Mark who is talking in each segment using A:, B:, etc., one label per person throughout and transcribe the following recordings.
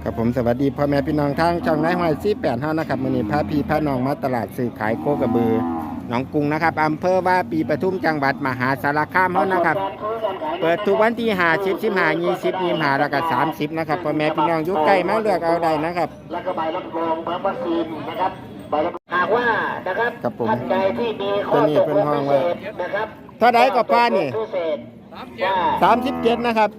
A: กับผมสวัสดีพ่อแม่พี่น้องทางช่องนายห้อย48 5นะครับมื้อนี้พาพี่พาน้องมาตลาดซื้อขายโคกระบือหนองกรุงนะครับอำเภอว่าปีปทุมจังหวัดมหาสารคามเฮานะครับเปิดทุกวันที่5 10 15 20 25แล้วก็30นะครับพ่อแม่พี่น้องอยู่ใกล้มาเลือกเอาได้นะครับ
B: แล้วก็ใบรับรองเหมือนวัคซีนนะครับใบรับหากว่านะครับท่านใดที่มีข้อตกลงพิเศษนะครับ
A: เท่าใดก็ป้านี่37นะครับ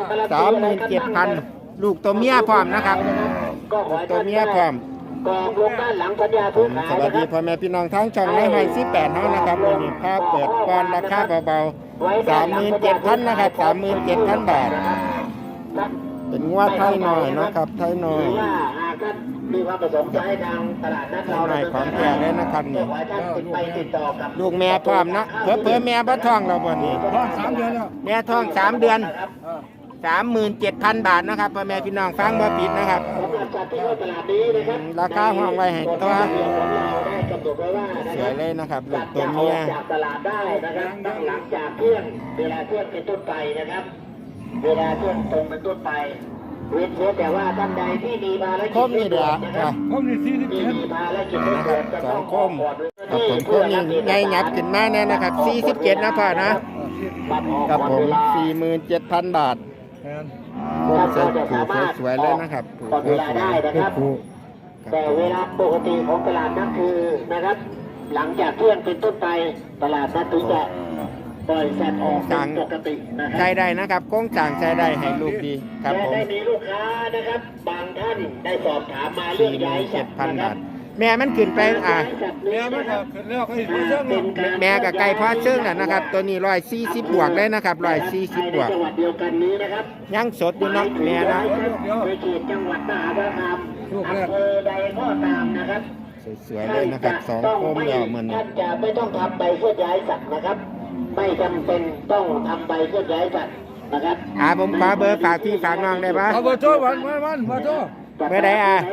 A: 37,000ลูกตัวเมียพร้อมนะครับตัวเมียพร้อม
B: กองลงด้านหลังสัญญาซื้อขาย
A: สวัสดีพ่อแม่พี่น้องทั้งช่องนายห้อย48 5นะครับวันนี้ค่าเปิดก่อนราคาเบาๆ 37,000 นะครับ 37,000 บาทเป็นงวดไทยหน่อยนะครับไทยหน่อย
B: มีความประสงค์จะให้ทางตลาดนัดเรา
A: หน่อยของแก่เลยนะครับนี่ลูกแม่พร้อมนะเพิ่มแม่บ่ท้องเราบ่นี่
C: ท้อง3 เดือนแล้ว
A: แม่ท้อง3 เดือน37,000 บาทนะครับพ่อแม่พี่น้องฟังบ่ผิดนะครับราคาห้องไว้ให้ตัวสวยเลยนะครับลูกตัวเมีย
B: จากตลาดได้นะครับตั้งหลังจากเที่ยงเวลาเที่ยงเป็นต้นไปนะครับเวลาเที่ยงตรงเป็นต้นไปเว้นแต่ว่าท่านใดที่มีภารกิจ
A: คมนี่เด้อ
C: คมนี่
B: มีภารกิจ
A: นะครับ2คมกับผมคมนี่ไงหยับขึ้นมาแน่นะครับ47นะพ่อนะกับผม 47,000 บาทคมสวยๆเลยนะครับ
B: เวลาได้นะครับแต่เวลาปกติของตลาดนัดคือนะครับหลังจากเที่ยงเป็นต้นไปตลาดนัดถึงจะปล่อยสัตว์ออกปกตินะครับ
A: ใช้ได้นะครับโค้งจางใช้ได้ให้ลูกดีครับผม
B: ได้มีลูกค้านะครับบางท่านได้สอบถามมาเรื่องย้ายสัตว์
A: 7,000 บาทแม่มันขึ้นไป
C: แม่มันขึ้นแล้วก็อีกเรื่องนึง
A: แม่กับไก่พ่อเชิงน่ะนะครับตัวนี้140 บวกเลยนะครับ140 บวก
B: จังหวัดเดียวกันนี้นะครับ
A: ยังสดอยู่เนาะแม่นะ
B: ในเขตจังหวัดมหาสารคามอำเภอใดก็ตามนะครับ
A: สวยๆเลยนะครับ2คมแล้วเหมือน
B: ท่านจะไม่ต้องทำใบเคลื่อนย้ายสัตว์นะครับไม่จำเป็นต้องทำใบเคลื่อนย้ายสัตว์นะครับ
A: ผมขอเบอร์ฝากพี่ฝากน้องได้ปะ
C: เบอร์โทรวันเบอร์โทร
A: เบอร์ใด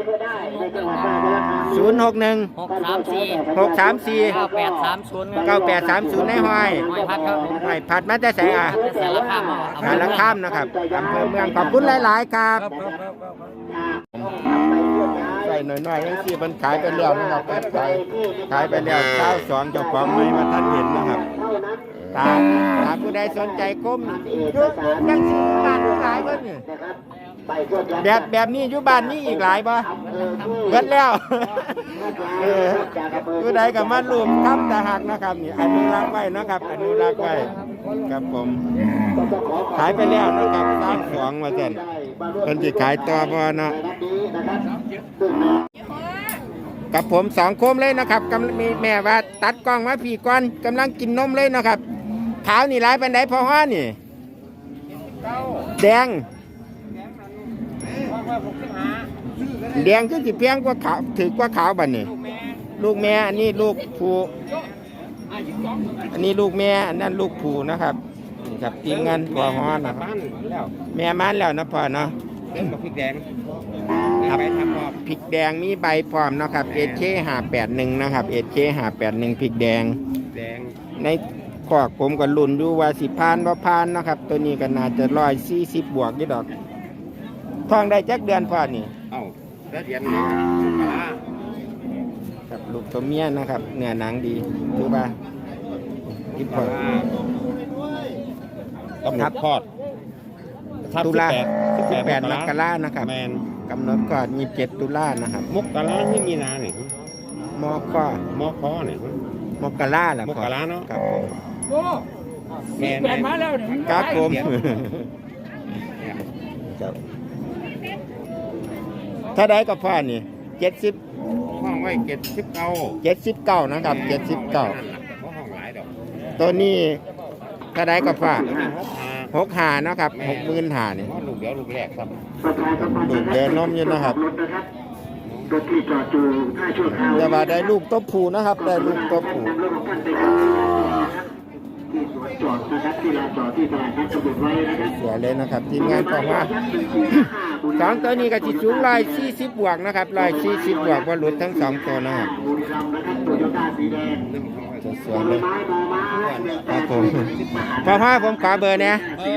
A: 061 634 9830ในห้อยผัดมาแต่ใส่สารคามนะครับอำเภอเมืองขอบคุณหลายๆครับใส่หน่อยๆยังที่มันขายไปแล้วนะครับขายไปแล้ว92เจ้าของไม่มาท่านเห็นนะครับตาผู้ใดสนใจก้มยุบยังซื้อบ้านหลายเพิ่นนี่แบบนี้อยู่บ้านนี้อีกหลายบ่เบิดแล้วผู้ใดก็มาร่วมทำตะหักนะครับนี่อนุรักษ์ไว้นะครับอนุรักษ์ไว้ครับผมขายไปแล้วนะครับ32ว่าซั่นเพิ่นสิขายต่อบ่เนาะกับผม2 โคมเลยนะครับมีแม่ว่าตัดกล้องมาพี่ก่อนกำลังกินนมเลยนะครับขาวนี่หลายปานใดพอฮ้อนี่แดงคือสิเพียงกว่าขาวถือกว่าขาวบัดนี้ลูกแม่อันนี้ลูกผู้อันนี้ลูกแม่อันนั้นลูกผู้นะครับนี่ครับทีมงานพอฮ้อนะครับแม่มันแล้วนะพ่อเนาะ
C: พริกแดง
A: ครับพริกแดงมีใบพร้อมนะครับHK581นะครับHK581พริกแดงในขอกผมก็ลุ่นอยู่ว่าสิผ่านบ่ผ่านนะครับตัวนี้ก็น่าจะ140 บวกอยู่ดอกท้องได้จักเดือนพ่อนี่
C: ได้เดือน
A: กับลูกตัวเมียนะครับเนื้อหนังดีดูป่ะกินพอกำหนดคลอดตุลา18 มกรานะครับกำหนดก่อน27 ตุลานะครับ
C: มกราที่มีนาเนี่ย
A: มค
C: เนี่ย
A: มกราแหละ
C: มกราเนาะ
A: ครับผม
C: โอ้แม่มาแล้ว
A: ครับผมถ้าได้ก็พ่อนี่70
C: ห้องไว้
A: 79นะครับ79ตัวนี้ถ้าได้ก็พ่อ65นะครับ65,000นี่
C: ลูกเดียวลูกแรกครับ
A: ลูกเดินนมอยู่นะครับจะมาได้ลูกตัวผู้นะครับได้ลูกตัวผู้
B: ที่สวนจอดนะครับที่ลานจอดที่ตลาดนัดกำหนดไว้นะครับ
A: เสียเลยนะครับทีมงานบอกว่าสองตัวนี้ก็จิสูง140 บวกนะครับ140 บวกว่าหลุดทั้งสองตัวนะครับ
B: บุรีรัมย์นะครับโตโยต้าสีแดง
A: จะส
B: บ
A: วย
B: อ
A: เล
B: ล
A: ย
B: ไม้บอลไม้
A: ครับผมพอพ่อผมขอเบอร์เนี่ย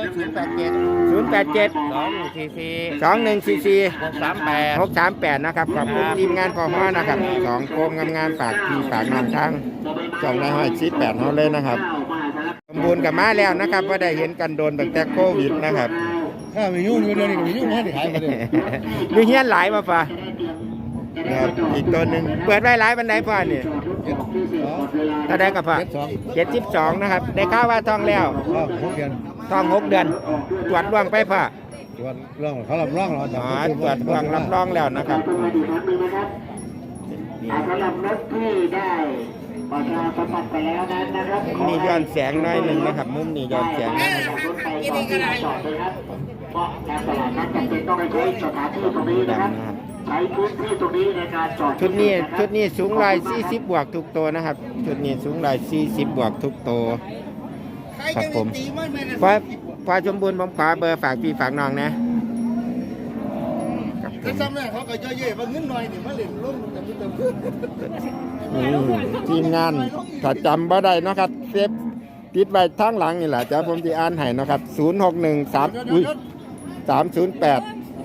C: 087
A: 087
C: 2144
A: 2144
C: 638
A: 638นะครับขอบคุณทีมงานพอพ่อนะครับสองโคมงามๆฝากพี่ฝากน้องทางช่องในห้อย18เฮาเลยนะครับสมบูรณ์กับมาแล้วนะครับว่าได้เห็นกันโดนตั้งแต่โควิดนะครับ
C: ถ้าไม่ยุ่งอยู่เดี๋ยวนี้ไม่ยุ่งให้ขายไปเลย
A: มีเฮียนหลายมาป่ะนะครับอีกตัวหนึ่งเปิดไว้หลายบันไดพ่อนี่ถ้าได้กับพ่อ72นะครับได้ข่าวว่าทองแล้ว
C: 6 เดือน
A: ทอง6 เดือนตรวจร่วงไปพ่อ
C: ตรวจร่องเขารับร่องเรา
A: อ๋อตรวจร่วงรับรองแล้วนะครับ
B: สำหรับรถที่ได้ประชาสัมพันธ์ไปแล้วนั้นนะครับ
A: มุมนี้ย้อนแสงหน้อยหนึ่งนะครับมุมนี้ย้อนแสงหน่อยหนึ่ง
B: รถไปจอดที่ลานจอดเลยครับเพราะการตลาดนั้นจำเป็นต้องใช้สถานที่ตรงนี้นะครับใช้พื้นที่ตรงนี้ในการจอด
A: ชุดนี้สูง140 บวกทุกตัวนะครับชุดนี้สูง140 บวกทุกตัวครับผมพอสมบูรณ์ผมขอเบอร์ฝากพี่ฝากน้องนะครับผม
C: ซ้ำเนี่ยเขาก็เยอะๆว่าเงินหน่อยนี่มาเล่นลุ่มแต่ไม่เติมขึ้น
A: ทีมงานถ้าจำบ่ได้เนาะครับเซฟติดไว้ทางหลังนี่แหละเดี๋ยวผมจะอ่านให้เนาะครับ0613อุ้ย308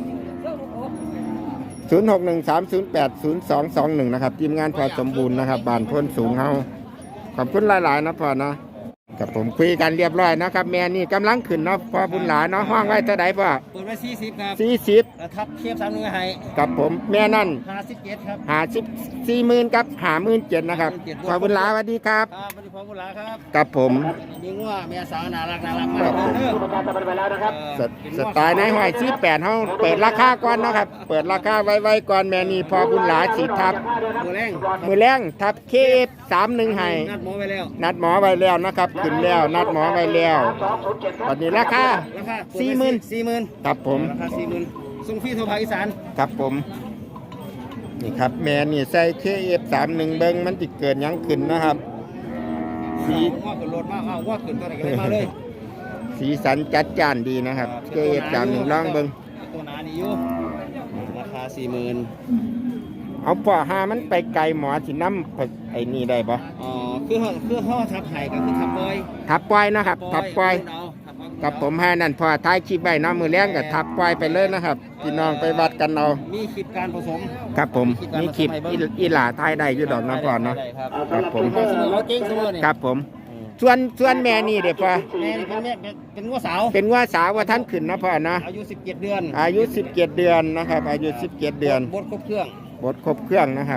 A: 0613080221นะครับทีมงานพอสมบูรณ์นะครับบ้านพ้นสูงเฮาขอบคุณหลายๆนะพ่อเนาะกับผมคุยกันเรียบร้อยนะครับแม่นี่กำลังขึ้นเนาะพอบุญหลาเนาะห้องไว้เท่าใดพ่อ
C: เปิดไว้40ครับ
A: 40
C: แล้วทับเทียบ3 ให้
A: กับผมแม่นั่น
C: 57ครับ
A: 54,000กับ57,000นะครับพอบุญหลาสวัสดีครับ
C: ครับวันนี้พร้อมกุหลาครับ
A: กับผม
C: มีงัวแม่สาวน่ารักมาก
A: ครับผม
C: เด้อ
B: ประชาสัมพันธ์ไปแล้วนะครับ
A: สไตล์ในห้อย48เฮาเปิดราคาก่อนนะครับเปิดราคาไว้ก่อนแม่นี่พอบุญหลาสิทับ
C: มือแรง
A: มือแรงทับ KF31 ให้
C: นัดหมอไปแล้ว
A: นัดหมอไว้แล้วนะครับขึ้นแล้วนัดหมอไว้แล้ววันนี้ราคา
C: ราคา
A: 40,000ครับผม
C: ราคา40,000ส่งฟรีทั่วภาคอีสาน
A: ครับผมนี่ครับแม่นี่ใส่ KF31 เบิ้งมันติเกิดหยังขึ้นนะครับสี
C: ว่าขึ้นรถมาเอาว่าขึ้นตัวไหนก็ได้มาเลย
A: สีสันจัดจ้านดีนะครับ KF31 ลองเบิ้ง
C: ตัวหนานี่อยู่ราคา 40,000
A: เอาป่อหามันไปไกลหมอสิน้ำไอ้นี่ได้ปะ
C: อ๋อคือห่อทับไห่ก็คือทับปอย
A: ทับปล่อยนะครับทับปล่อย
C: เอาทับเอา
A: กับผมให้นั่นพอท้ายคลิปไว้เน้ำมือแรงกับทับปล่อยไปเลยนะครับพี่น้องไปวัดกันเอา
C: มีคลิปการผสม
A: ครับผมมีคลิปอีหลาท้ายได้อยู่ดอกน้ำพอเนาะ
C: ได้ครับ
A: ครับผม
C: เสมอเราเก่งเสมอเนี่ย
A: ครับผมส่วนแม่นี่เดี๋ยวพอ
C: แม่นี่เป็นงัวสาว
A: เป็นว่าสาวว่าท่านขึ้นนะพ่อนะ
C: อายุ17 เดือน
A: อายุ17 เดือนนะครับอายุ17 เดือน
C: บดครบเครื่อง
A: บดครบเครื่องนะครับ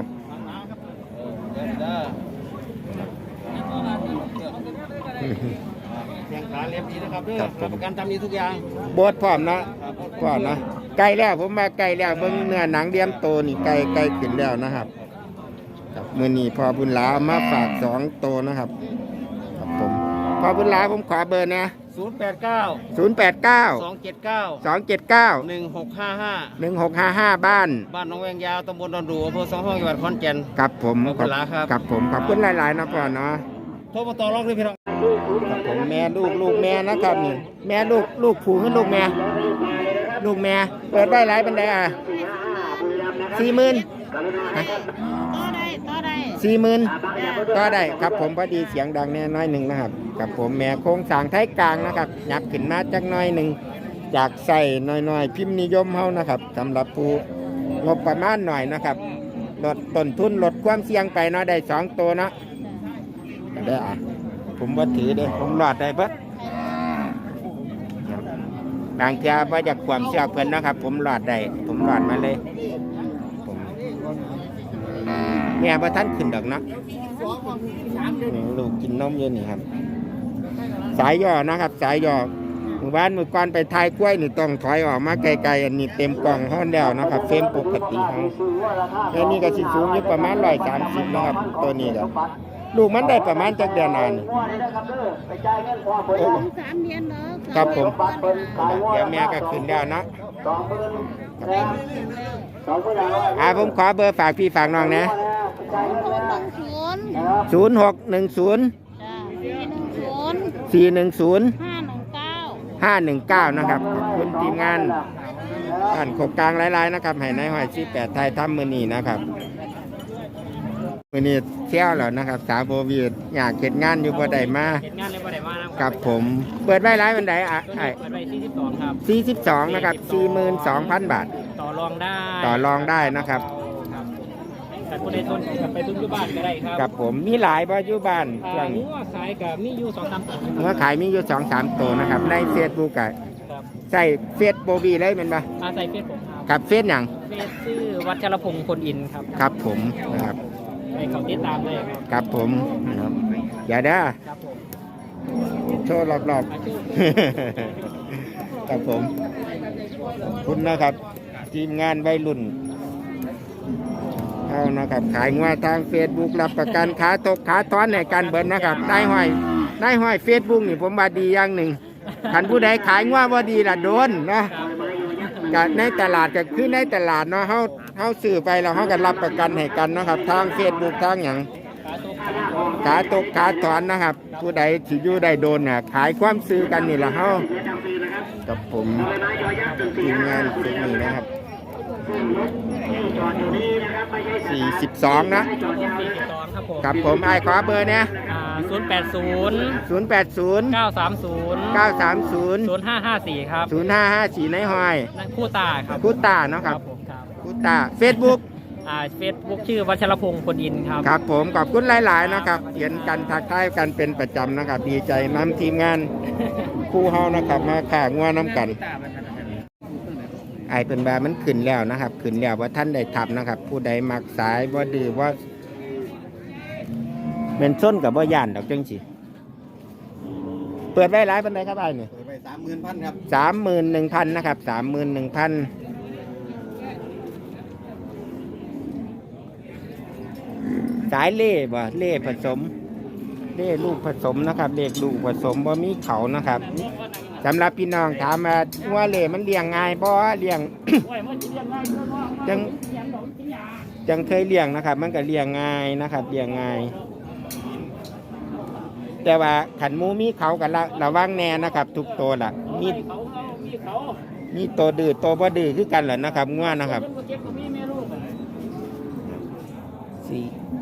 C: แข่งขาเล็บดีนะครับเด้อรับประกันทำดีทุกอย่าง
A: บดพร้อมนะพร้อมนะไก่แล้วผมมาไก่แล้วเบิ่งเนื้อหนังเดียมโตนี่ไก่ขึ้นแล้วนะครับครับมื้อนี้พอบุญหลาเอามาฝาก2โตนะครับครับผมพอบุญหลาผมขอเบอร์นะ
C: 089
A: 089
C: 279
A: 279
C: 1655
A: 1655 บ้าน
C: บ้านหนองแวงยาวตำบลดอนดูอำเภอสองห้องจังหวัดขอนแก่น
A: ครับผม
C: ขอบคุณหลายครับ
A: ครับผมขอบคุณหลายๆนะพ่อเนาะ
C: โทรมาต่อรองด้วยพี่น้อง
A: ครับผมแม่ลูกแม่นะครับนี่แม่ลูกผูขึ้นลูกแม่เปิดได้หลายบันไดอ่ะ40,000 40,000ก็ได้ครับผมพอดีเสียงดังแน่น้อยหนึ่งนะครับกับผมแม่โค้งสร้างไทยกลางนะครับยับขึ้นมาจักน้อยหนึ่งจากใส่น้อยพิมพ์นิยมเฮานะครับสำหรับผู้งบประมาณหน่อยนะครับลดต้นทุนลดความเสี่ยงไปเนาะได้2ตัวเนาะได้อ่ะผมว่าถือเด้ผมรอดได้เบิดบางเทีว่าจากความเชื่อเพิ่นนะครับ ผมรอดได้ผมรอดมาเลยผมแม่ว่าท่านขึ้นดอกเนาะลูกกินนมอยู่นี่ครับ สายย่อนะครับ สายย่อหมู่บ้านมือก่อนไปทายกล้วยนี่ต้องถอยออกมาไกลๆอันนี้เต็มกล่องห้อนแล้วนะครับเฟรมปกติของแค่นี้ก็สิสูงอยู่ประมาณ130นะครับตัวนี้ก็ลูกมันได้ประมาณจักเดือนนานโอ้
D: 3 เดือนเนาะ
A: ครับผมเดี๋ยวแม่ก็ขึ้นแล้วเนาะผมขอเบอร์ฝากพี่ฝากน้องนะ
D: 0610
A: 0610
D: 410
A: 519นะครับขอบคุณทีมงานบ้านโคกกลางหลายๆนะครับให้นายห้อย48ไทยทำมื้อนี้นะครับมื้อนี้เที่ยวแล้วนะครับสาวโควิดอยากเฮ็ดงานอยู่บ่ได้มา
D: เห็นงานเลยบ่ได้มานะค
A: กับผมเปิดไว้หลายวันใดอ่ะ
D: เปิดไว้42ครับ
A: 42นะครับ 42,000 บาท
D: ต่อรองได้
A: ต่อรองได้นะครับ
D: ครับแต่คนในทนกับไปทุนอยู่บ้านก็ได้ครับ
A: กับผมมีหลายบ่อยู่บ้านช่วง
D: หัวขายกับมีอยู่2-3ตัว
A: เมื่อขายมีอยู่ 2-3 ตัวนะครับใน Facebook ก็
D: ครับ
A: ใส่เฟซโบบีเลยแม่นบ่
D: อาศัยเฟซผม
A: ครับเฟซหยัง
D: เฟซชื่อวัชรพงศ์คนอินครับ
A: ครับผมนะครับ
D: ไปเขาติดตามเลยครับ
A: ครับผมนะครับอย่าเด้อ
D: ครับผม
A: โชว์รอบ
D: อาชีพ
A: ๆ ครับผมขอบคุณนะครับ ทีมงานวัยรุ่นเอานะครับขายงวทาง Facebook รับประกันขาตกขาท้อนในการเบิร์นนะครับได้ห้อย Facebook นี่ผมว่าดีอย่างหนึ่งขันผู้ใดขายงวบ่ดีล่ะโดนนะก็ในตลาดก็คือในตลาดเนาะเฮาซื้อไปแล้วเฮาก็รับประกันให้กันนะครับทาง Facebook ทางหยังขาตกขาถอนนะครับ ผู้ใดที่อยู่ได้โดนน่ะขายความซื้อกันนี่ล่ะเฮากับผมทีมงานเทคนิคนะครับ42นะ
D: 42ครับผม
A: ครับผมไอ้ขอเบอร์เนี่ย
D: 080
A: 080
D: 930
A: 930
D: 0554ครับ
A: 0554ในห้อย
D: นั่นคู่ตาครับ
A: คุตาเนาะครับ
D: ผมครับ
A: คุตา Facebook
D: เฟซบุ๊กชื่อวัชรพงศ์คนอินครับ
A: ครับผมขอบคุณหลาย ๆ นะครับเขียนกันทักทายกันเป็นประจำนะครับ ดีใจนำทีมงานคู่เฮานะครับมาข่างัวน้ำกัน ไอเป็นแบบมันขึ้นแล้วนะครับขึ้นแล้วว่าท่านได้ทับนะครับ ผู้ใดมักสายว่าดื้อว่าเป็นส้นกับว่าย่านดอกจังสิเปิดไว้หลายปันไดครับไอ้เนี่ย
C: เปิดไป30,000ครับ
A: 31,000นะครับ31,000สายเล่บ่เล่ผสมเล่ลูกผสมนะครับเล็กลูกผสมว่ามีเขานะครับสำหรับพี่น้องถามมาว่าเล่มันเลี้ยงง่ายบ่เลี้ยง จังเคยเลี้ยงนะครับ มันก็เลี้ยงง่ายนะครับเลี้ยงง่าย แต่ว่าขันหมูมีเขากันระวังแน่นะครับ ทุกตัวล่ะมีตัวดื้อตัวบ่ดื้อคือกันเหรอนะครับง่วนะครับสี่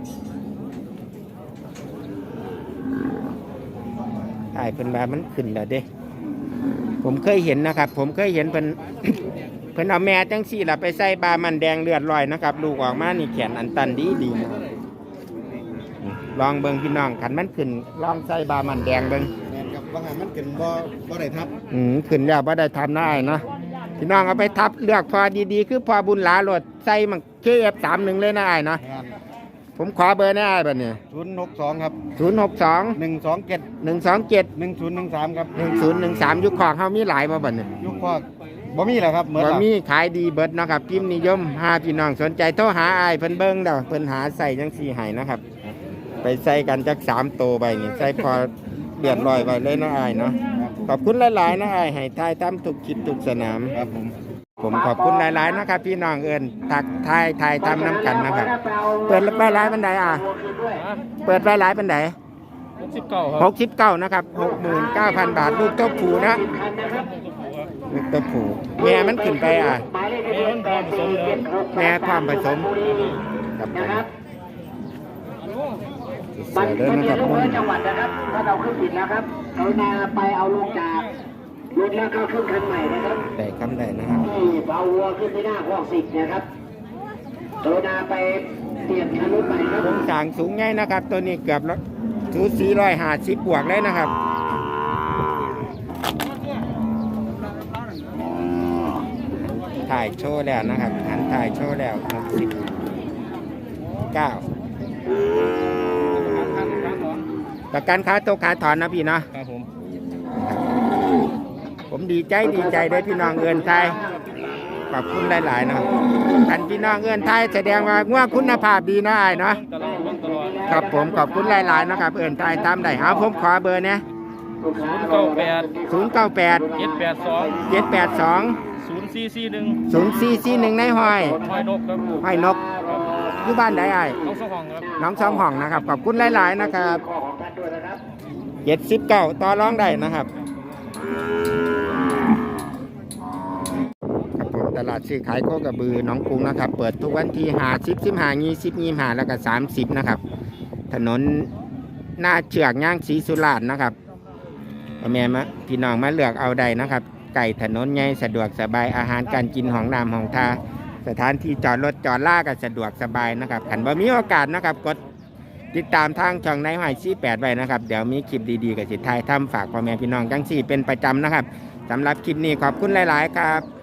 A: ถ่ายเป็นแบบมันขึ้นแล้วเด้ผมเคยเห็นนะครับ ผมเคยเห็นเป็น เพิ่นเอาแม่จังสี่ล่ะไปใส่บามันแดงเลือดลอยนะครับลูกออกมานี่แขนอันตันดีนะครับลองเบิ่งพี่น้องขันมันขึ้นลองใส่บามันแดงเบิ่ง
C: แม่นกับว่าหามันเกินบ่ได้ทับ
A: ขึ้นแล้วบ่ได้ทำได้เนาะพี่น้องเอาไปทับเลือกพอดีๆคือพอบุญหลาโหลดใส่มัน KF31 เลยนะไอ้เนาะ
C: งาน
A: ผมขอเบอร์นะไอ้บัดนี้
C: 062ครับ
A: 062
C: 127
A: 127
C: 1013ครับ
A: 1013ยุคของเฮามีหลายบ่บัดนี้
C: ยุคพอกบ่มีแล้วครับเหมือน
A: บ่
C: แล้ว
A: มีขายดีเบิดเนาะครับพิมพ์นิยมหาพี่น้องสนใจโทรหาอ้ายเพิ่นเบิ่งเด้อเพิ่นหาใส่จังซี่ให้นะครับ ไปใส่กันจัก3โตวไปนี่ใส่พอเดือดร้อยไว้เลยเนาะอ้ายเนาะขอบคุณหลายๆนะอ้ายให้ทายตามทุกคลิปทุกสนาม
C: ครับผม
A: ผมขอบคุณหลายๆนะครับ พี่น้องเอิญทักทายทำน้ำกันนะครับ เปิดไว้หลายปันไดเปิดไว้หลายปันได
D: 69ครับ
A: 69นะครับ69,000 บาทลูกตัวผูนะลูกตัวผูแม่มันขึ้นไปแม่ความผสมกับผม
B: มัน
A: เดิน
B: มี
A: นะครับ
B: ทุกจังหวัดนะครับถ้าเราขึ้นผิดแล้วครับกรุณาไปเอาลงจากรถแล้วก็ขึ้นคันใหม่นะครับ
A: ได้คำได้นะครับ
B: ที่เอาวัวขึ้นที่หน้าห้องสิบนะครับกรุณาไปเปลี่ยนคันรถใหม่ครับ
A: ผมสั่งสูงใหญ่นะครับ ตัวนี้เกือบสู450บวกเลยนะครับถ่ายโชว์แล้วนะครับหันถ่ายโชว์แล้ว69ประกันค้าตกขาถอนนะพี่เนาะ
D: ครับผม
A: ผมดีใจเลยพี่น้องเอินไทยขอบคุณหลายๆนะครับท่านพี่น้องเอินไทยแสดงว่าง่วงคุณภาพดีนะไอ้เนาะ
D: ตลอด
A: ครับผมขอบคุณหลายๆนะครับเอินไทยตามได้เอาผมขอเบอร์เนี่ย
D: 098
A: 098
D: 782
A: 782
D: 0441
A: 0441ในห้อย
D: ห้อยนกครับ
A: ห้อยนกอยู่บ้านใดไอ้
D: น้องสองห้องครับ
A: น้องสองห้องนะครับขอบคุณหลายๆนะครับ
B: ข้อของท่านด้วยนะครับ
A: 79ต่อรองได้นะครับครับผมตลาดซื้อขายโคกระบือหนองกรุงนะครับเปิดทุกวันที่50 15 20 25แล้วก็30นะครับถนนหน้าเชือกย่างศรีสุราษฎร์นะครับแม่มาพี่น้องมาเลือกเอาได้นะครับไก่ถนนใหญ่สะดวกสบายอาหารการกินของน้ำของทาสถานที่จอดรถจอดล่าก็สะดวกสบายนะครับขันบ่มีโอกาสนะครับกดติดตามทางช่องในหอย48ไว้นะครับเดี๋ยวมีคลิปดีๆกับสิทธิ์ไทยทำฝากพ่อแม่พี่น้องจังสี่เป็นประจำนะครับสำหรับคลิปนี้ขอบคุณหลายๆครับ